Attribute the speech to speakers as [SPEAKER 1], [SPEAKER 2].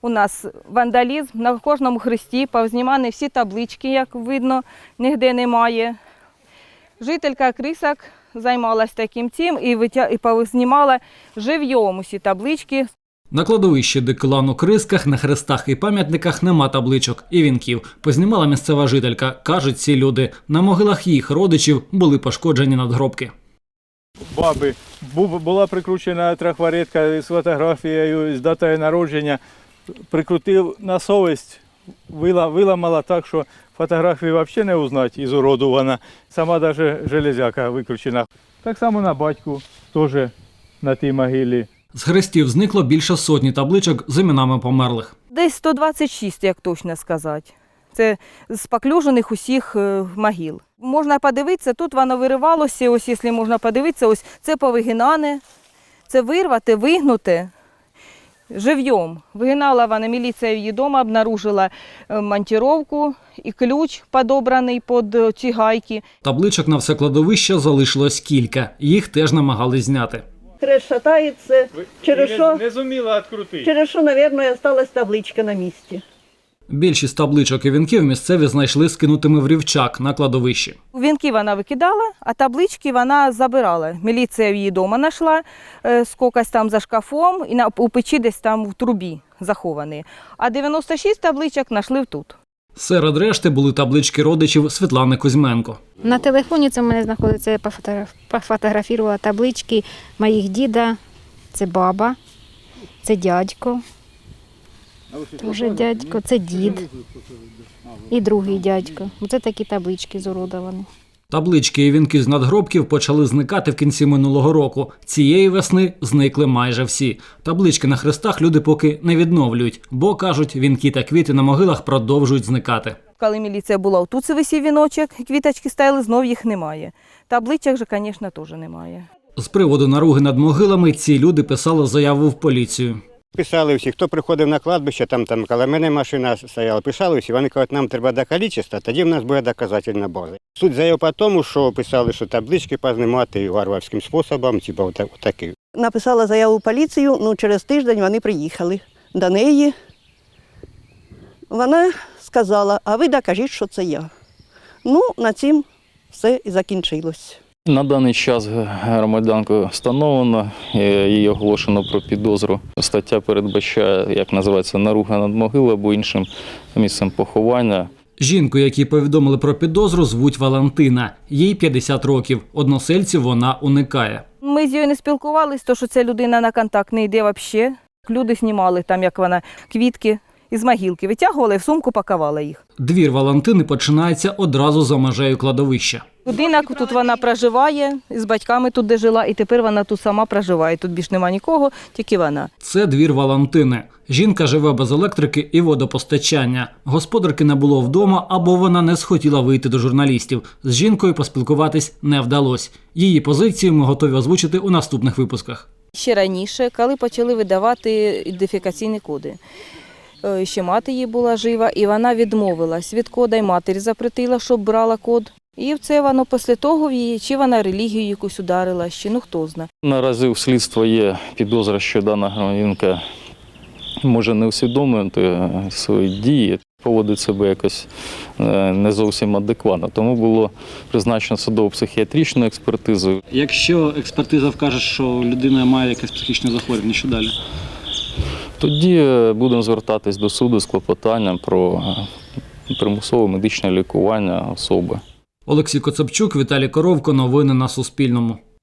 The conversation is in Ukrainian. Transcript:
[SPEAKER 1] у нас вандалізм, на кожному хресті повзнімані всі таблички, як видно, ніде немає. Жителька Крисак займалася таким цим і познімала живьом усі таблички.
[SPEAKER 2] На кладовищі Дикилан у Крисках на хрестах і пам'ятниках нема табличок і вінків. Познімала місцева жителька. Кажуть ці люди, на могилах їх родичів були пошкоджені надгробки.
[SPEAKER 3] Баби була прикручена трафаретка з фотографією, з датою народження. Прикрутив на совість, виламала так, що фотографію взагалі не узнати, ізуродована. Сама навіть железяка викручена. Так само на батьку, теж на тій могилі.
[SPEAKER 2] З хрестів зникло більше сотні табличок з іменами померлих.
[SPEAKER 1] Десь 126, як точно сказати. Це з поклюжених усіх могил. Можна подивитися, тут воно виривалося, ось якщо можна подивитися, ось це повигинане, це вирвати, вигнути живьом. Вигинала вона, міліція її вдома обнаружила монтировку і ключ подобраний під ці гайки.
[SPEAKER 2] Табличок на все кладовище залишилось кілька. Їх теж намагались зняти.
[SPEAKER 4] Хрест шатається, через що,
[SPEAKER 3] Не зуміла відкрутити.
[SPEAKER 4] мабуть, осталась табличка на місці.
[SPEAKER 2] Більшість табличок і вінків місцеві знайшли скинутими в рівчак на кладовищі.
[SPEAKER 1] Вінки вона викидала, а таблички вона забирала. Міліція її вдома знайшла, скокось там за шкафом і у печі десь там в трубі заховані. А 96 табличок знайшли тут.
[SPEAKER 2] Серед решти були таблички родичів Світлани Кузьменко.
[SPEAKER 5] На телефоні це в мене знаходиться, я пофотографувала таблички моїх діда, це баба, це дядько, вже дядько, це дід і другий дядько. Оце такі таблички зуродовані.
[SPEAKER 2] Таблички і вінки з надгробків почали зникати в кінці минулого року. Цієї весни зникли майже всі. Таблички на хрестах люди поки не відновлюють, бо, кажуть, вінки та квіти на могилах продовжують зникати.
[SPEAKER 1] Коли міліція була, тут висів віночок, квіточки стояли, знов їх немає. Табличок же, звісно, теж немає.
[SPEAKER 2] З приводу наруги над могилами ці люди писали заяву в поліцію.
[SPEAKER 6] Писали всі, хто приходив на кладбище, там коло мене машина стояла, писали всі, вони кажуть, нам треба до кількості, тоді в нас буде доказательна база. Суть заяв по тому, що писали, що таблички познімати варварським способом, типу отакий.
[SPEAKER 4] Написала заяву в поліцію, через тиждень вони приїхали до неї. Вона сказала, а ви докажіть, що це я. На цим все і закінчилось.
[SPEAKER 7] На даний час громадянку встановлено, її оголошено про підозру. Стаття передбачає, як називається, наруга над могилою або іншим місцем поховання.
[SPEAKER 2] Жінку, якій повідомили про підозру, звуть Валентина. Їй 50 років. Односельців вона уникає.
[SPEAKER 1] Ми з нею не спілкувалися, тому що ця людина на контакт не йде взагалі. Люди знімали там, як вона, квітки із могилки витягували, в сумку пакувала їх.
[SPEAKER 2] Двір Валентини починається одразу за межею кладовища.
[SPEAKER 1] Людина тут вона проживає, з батьками тут де жила, і тепер вона тут сама проживає. Тут більш нема нікого, тільки вона.
[SPEAKER 2] Це двір Валентини. Жінка живе без електрики і водопостачання. Господарки не було вдома, або вона не схотіла вийти до журналістів. З жінкою поспілкуватись не вдалося. Її позицію ми готові озвучити у наступних випусках.
[SPEAKER 1] Ще раніше, коли почали видавати ідентифікаційні коди. Ще мати її була жива, і вона відмовилась від кода, і матері запретила, щоб брала код. І це воно після того, чи вона релігію якусь ударила, чи хто знає.
[SPEAKER 7] Наразі у слідства є підозра, що дана громадянка може не усвідомити свої дії, поводить себе якось не зовсім адекватно. Тому було призначено судово-психіатричну експертизу.
[SPEAKER 2] Якщо експертиза вкаже, що людина має якесь психічне захворювання, що далі?
[SPEAKER 7] Тоді будемо звертатись до суду з клопотанням про примусове медичне лікування особи.
[SPEAKER 2] Олексій Коцепчук, Віталій Коровко. Новини на Суспільному.